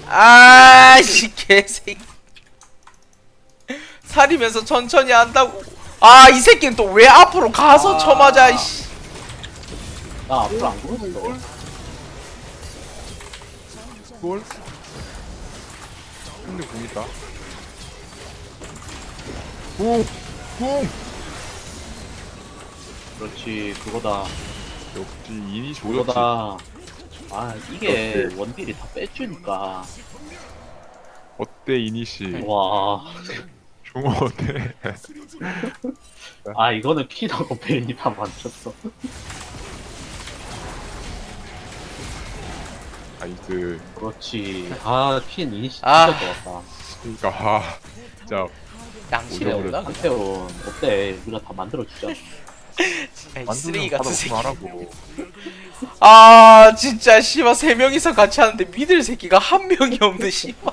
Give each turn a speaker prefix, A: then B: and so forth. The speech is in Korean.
A: 아씨 개새끼. 살이면서 천천히 한다고. 아 이 새끼는 또 왜 앞으로 가서 쳐맞아 이씨.
B: 나 앞으로 안 보였어.
C: 골? 근데 공 있다. 공! 공!
B: 그렇지, 그거다.
C: 역시 인이 조졌지.
B: 그거다. 아, 이게
C: 역시.
B: 원딜이 다 빼주니까.
C: 어때 이니시?
B: 와.
C: 종호 어때?
B: 아, 이거는 피나고 베인이 다 맞췄어.
C: 나이스.
B: 그렇지. 아, 퀸 이니시 진짜
A: 아.
B: 좋았다.
C: 그니까 아 진짜
A: 양심이 없나?
B: 한태원 어때? 우리가 다 만들어주자.
A: 이 쓰레기 같은 새끼.
C: 하라고.
A: 아 진짜 씨발 3명이서 같이 하는데 믿을 새끼가 한 명이 없네 씨발.